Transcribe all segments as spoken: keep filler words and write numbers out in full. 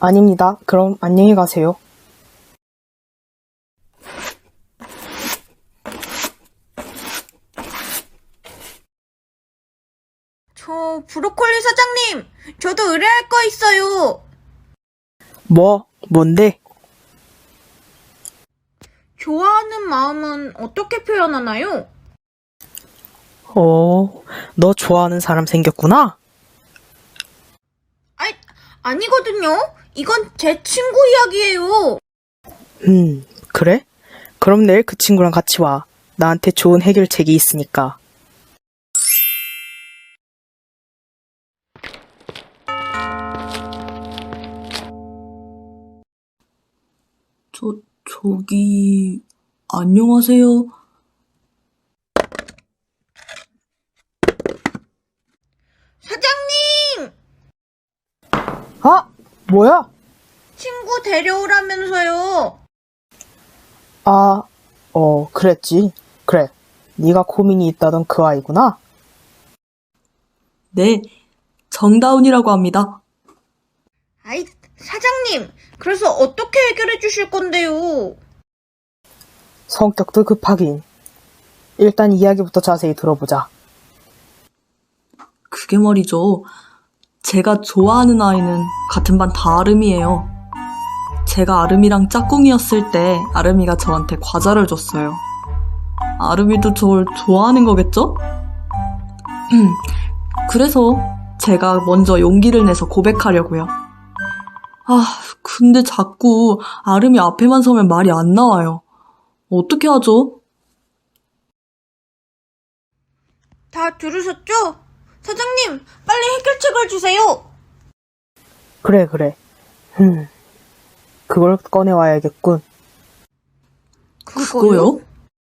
아닙니다. 그럼 안녕히 가세요. 저 브로콜리 사장님, 저도 의뢰할 거 있어요. 뭐? 뭔데? 좋아하는 마음은 어떻게 표현하나요? 어, 너 좋아하는 사람 생겼구나? 아이, 아니거든요. 이건 제 친구 이야기예요. 음, 그래? 그럼 내일 그 친구랑 같이 와. 나한테 좋은 해결책이 있으니까. 저, 저기, 안녕하세요. 사장님! 아! 뭐야? 친구 데려오라면서요. 아, 어, 그랬지. 그래. 네가 고민이 있다던 그 아이구나? 네, 정다운이라고 합니다. 아이, 사장님, 그래서 어떻게 해결해 주실 건데요? 성격도 급하긴. 일단 이야기부터 자세히 들어보자. 그게 말이죠. 제가 좋아하는 아이는 같은 반 다름이에요. 제가 아름이랑 짝꿍이었을 때 아름이가 저한테 과자를 줬어요. 아름이도 저를 좋아하는 거겠죠? 그래서 제가 먼저 용기를 내서 고백하려고요. 아, 근데 자꾸 아름이 앞에만 서면 말이 안 나와요. 어떻게 하죠? 다 들으셨죠? 사장님, 빨리 해결책을 주세요. 그래, 그래. 흠, 그걸 꺼내와야겠군. 그거요?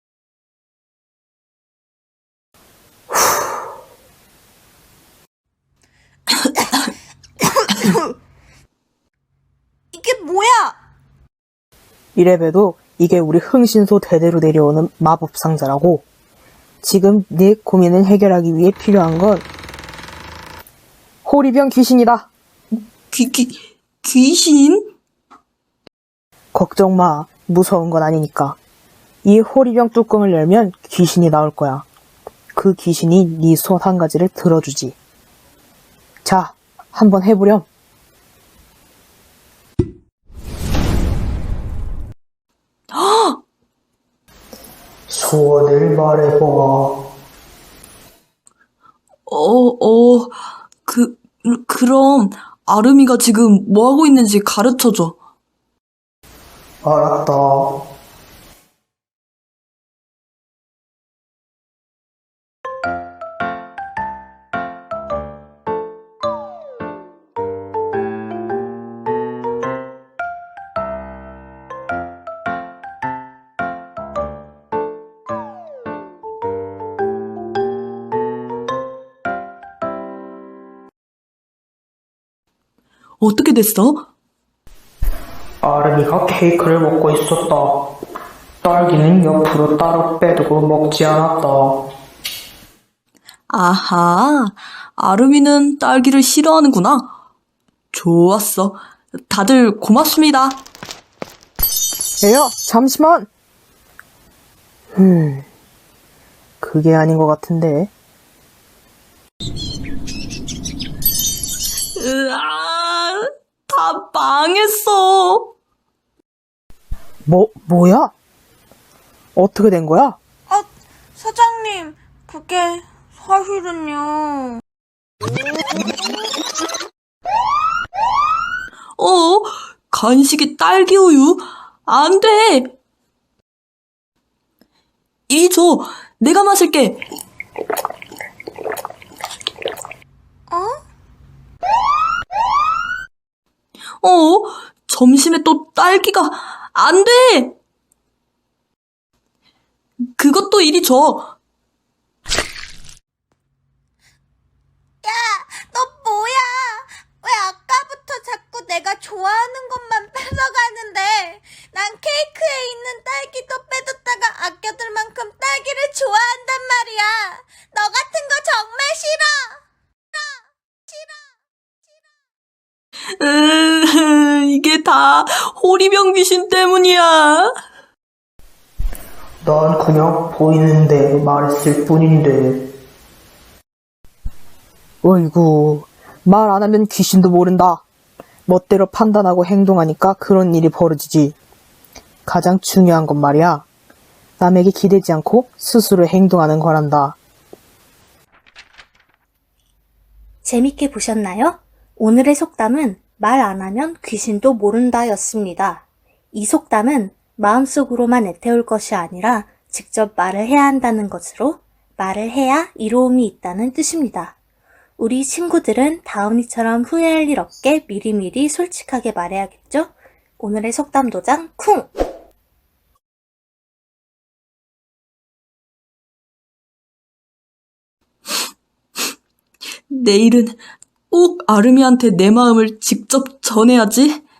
이게 뭐야? 이래봬도 이게 우리 흥신소 대대로 내려오는 마법 상자라고. 지금 네 고민을 해결하기 위해 필요한 건 호리병 귀신이다. 귀, 귀, 귀신? 걱정 마. 무서운 건 아니니까. 이 호리병 뚜껑을 열면 귀신이 나올 거야. 그 귀신이 네 손 한 가지를 들어주지. 자, 한번 해보렴. 소원을 말해봐. 어, 어, 그, 그럼 아름이가 지금 뭐 하고 있는지 가르쳐줘. 알았다. 어떻게 됐어? 아름이가 케이크를 먹고 있었다. 딸기는 옆으로 따로 빼두고 먹지 않았다. 아하, 아름이는 딸기를 싫어하는구나. 좋았어. 다들 고맙습니다. 에야, 잠시만! 음, 그게 아닌 것 같은데. 으아, 다 망했어. 뭐, 뭐야? 어떻게 된 거야? 아, 사장님, 그게 사실은요. 어, 간식이 딸기 우유? 안 돼. 이리 줘. 내가 마실게. 어? 어, 점심에 또 딸기가 안 돼. 그것도 이리 줘. 너 뭐야? 왜 아까부터 자꾸 내가 좋아하는 것만 뺏어가는데? 난 케이크에 있는 딸기도 빼뒀다가 아껴둘 만큼 딸기를 좋아한단 말이야. 너 같은 거 정말 싫어. 싫어. 싫어. 으, 이게 다 호리병 귀신 때문이야. 난 그냥 보이는데 말했을 뿐인데. 어이구, 말 안 하면 귀신도 모른다. 멋대로 판단하고 행동하니까 그런 일이 벌어지지. 가장 중요한 건 말이야. 남에게 기대지 않고 스스로 행동하는 거란다. 재밌게 보셨나요? 오늘의 속담은 말 안 하면 귀신도 모른다 였습니다. 이 속담은 마음속으로만 애태울 것이 아니라 직접 말을 해야 한다는 것으로 말을 해야 이로움이 있다는 뜻입니다. 우리 친구들은 다음이처럼 후회할 일 없게 미리미리 솔직하게 말해야겠죠? 오늘의 속담 도장 쿵! 내일은 꼭 아름이한테 내 마음을 직접 전해야지.